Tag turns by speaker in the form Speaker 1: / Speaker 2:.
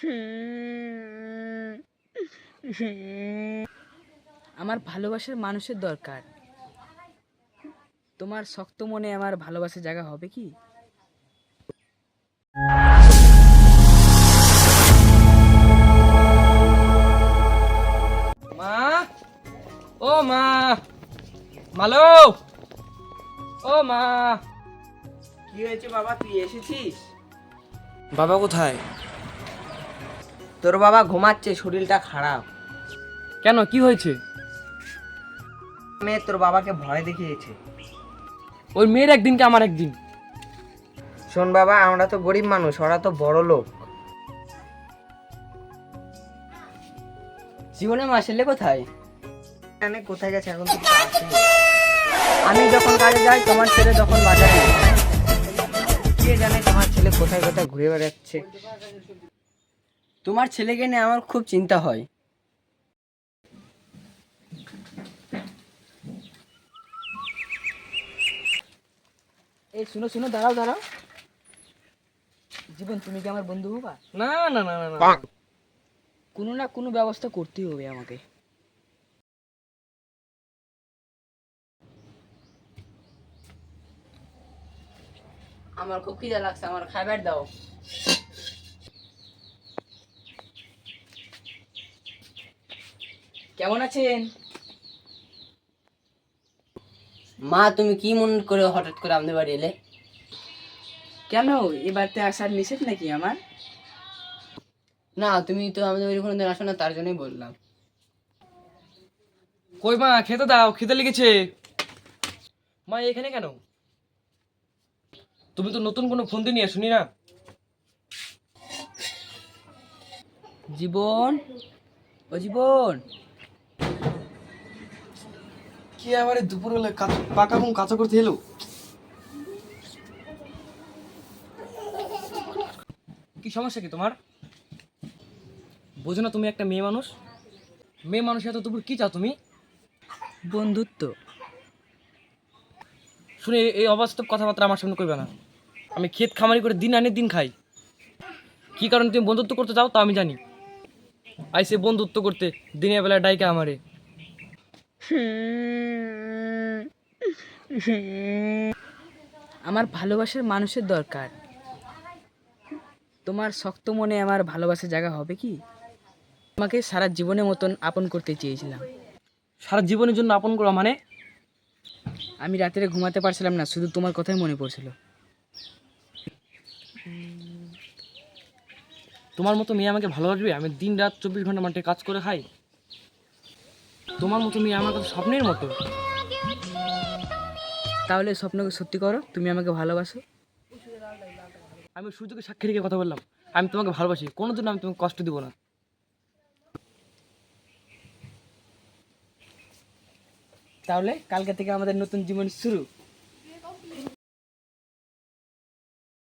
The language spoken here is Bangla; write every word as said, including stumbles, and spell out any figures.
Speaker 1: আমার ভালোবাসার মানুষের দরকার। তোমার শক্ত মনে আমার ভালোবাসার জায়গা হবে কি?
Speaker 2: মা, ও মা, মালো, ও মা।
Speaker 3: কি হয়েছে বাবা, তুই এসেছিস?
Speaker 2: বাবা কোথায়?
Speaker 3: তোর বাবা ঘুমাচ্ছে, শরীরটা খারাপ।
Speaker 2: কেন, কি হয়েছে?
Speaker 3: মেয়ে তোর বাবাকে ভয় দেখিয়েছে।
Speaker 2: ওই মেয়ের একদিন কে আমার একদিন।
Speaker 3: শোন বাবা, আমরা তো গরিব মানুষ, ওরা তো বড় লোক।
Speaker 1: জীবনে মা ছেলে কোথায়?
Speaker 3: জানে কোথায় গেছে, এখন তো কিছু আসেনি।
Speaker 1: আমি যখন কাজে যাই তোমার ছেলে যখন বাজারে যায়।
Speaker 3: কে জানে তোমার ছেলে কোথায় কোথায় ঘুরে বেড়াচ্ছে।
Speaker 1: তোমার ছেলেকে নিয়ে আমার খুব চিন্তা হয়। এই শুনো শুনো, দাঁড়াও দাঁড়াও। জীবন, তুমি কি আমার বন্ধু হবা?
Speaker 2: না না না না না।
Speaker 1: কোনো না কোনো ব্যবস্থা করতেই হবে আমাকে। আমার খুব খিদে লাগছে, আমার খাবার দাও। কেমন আছেন?
Speaker 3: মা, তুমি কি মনে করে হঠাৎ করে আমাদের বাড়ি এলে?
Speaker 1: কেন, এ বাড়িতে আসার নিষেধ নাকি আমার?
Speaker 3: না, তুমি তো আমাদের বাড়ি কোনোদিন আসো না, তার জন্যই বললাম।
Speaker 2: কই মা, খেতে দাও, খেতে লেগেছে। মা এখানে কেন? তুমি তো নতুন কোনো ফোন দিয়ে নিয়ে শুনি না।
Speaker 1: জীবন, ও জীবন।
Speaker 2: কি আবার দুপুরবেলা পাকা ঘুম কাঁচা করতে এলো? কি সমস্যা কি তোমার? বোঝো না তুমি একটা মেয়ে মানুষ? মেয়ে মানুষ এত দুপুর কি চাও তুমি?
Speaker 1: বন্ধুত্ব।
Speaker 2: শুনে এই অবাস্তব কথাবার্তা আমার সামনে করবে না। আমি ক্ষেত খামারি করে দিন আনি দিন খাই। কি কারণে তুমি বন্ধুত্ব করতে চাও তা আমি জানি। আইসে বন্ধুত্ব করতে দিনের বেলা ডাইকা আমারে।
Speaker 1: আমার ভালোবাসার মানুষের দরকার। তোমার শক্ত মনে আমার ভালোবাসার জায়গা হবে কি? আমাকে সারা জীবনের মতন আপন করতে চেয়েছিলাম।
Speaker 2: সারা জীবনের জন্য আপন করা মানে?
Speaker 1: আমি রাত্রে ঘুমাতে পারছিলাম না, শুধু তোমার কথাই মনে পড়ছিল।
Speaker 2: তোমার মতো মেয়ে আমাকে ভালোবাসবে? আমি দিন রাত চব্বিশ ঘন্টা মাঠে কাজ করে খাই। তোমার মতো মেয়ে আমার কাছে স্বপ্নের মতো।
Speaker 1: তাহলে স্বপ্নকে সত্যি করো, তুমি আমাকে ভালোবাসো।
Speaker 2: আমি সূর্যকে সাক্ষী রেখে কথা বললাম, আমি তোমাকে ভালোবাসি, কোনোদিন আমি তোমাকে কষ্ট দিব না।
Speaker 1: তাহলে কালকে থেকে আমাদের নতুন জীবন শুরু।